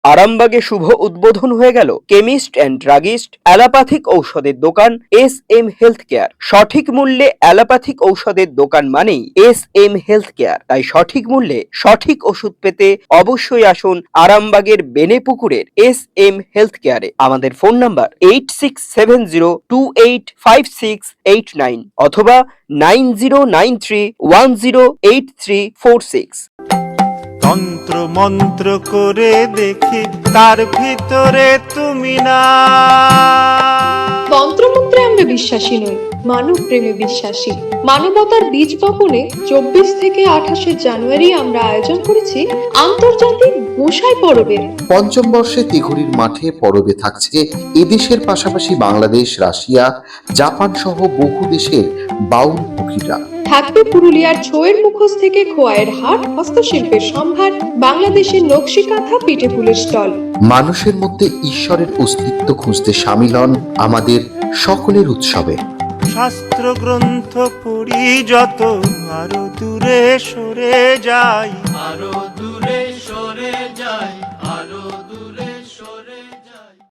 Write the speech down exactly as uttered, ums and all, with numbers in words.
আরামবাগে শুভ উদ্বোধন হয়ে গেল কেমিস্ট অ্যান্ড ড্রাগিস্ট অ্যালোপ্যাথিক ঔষধের দোকান এস এম হেলথ কেয়ার। সঠিক মূল্যে অ্যালোপ্যাথিক ঔষধের দোকান মানেই এস এম হেলথ কেয়ার। তাই সঠিক মূল্যে সঠিক ওষুধ পেতে অবশ্যই আসুন আরামবাগের বেনেপুকুরের এস এম হেলথ কেয়ারে। আমাদের phone number eight six seven zero two eight five six eight nine অথবা nine zero nine three one zero eight three four six. তন্ত্র মন্ত্র করে দেখি তার ভিতরে তুমি না। তন্ত্রমন্ত্রে আমরা বিশ্বাসী নই, মানব প্রেমে বিশ্বাসী। মানবতার বীজ বপনে চব্বিশ থেকে আঠাশে জানুয়ারি আমরা আয়োজন করেছি আন্তর্জাতিক গোসাই পরবের। পঞ্চম বর্ষে তিঘুরির মাঠে পরবে থাকছে এদেশের পাশাপাশি বাংলাদেশ, রাশিয়া, জাপান সহ বহু দেশের বাউল পুকিরা। থাকবে পুরুলিয়ার ছোয়ের মুখোশ থেকে খোয়াইয়ের হাট, হস্তশিল্পের সম্ভার, বাংলাদেশের নকশি কাঁথা, পিঠে ফুলের স্টল। মানুষের মধ্যে ঈশ্বরের অস্তিত্ব খুঁজতে সামিল হন আমাদের সকলের উৎসবে। শাস্ত্র গ্রন্থ পড়ি যত আরো দূরে সরে যাই, আরো দূরে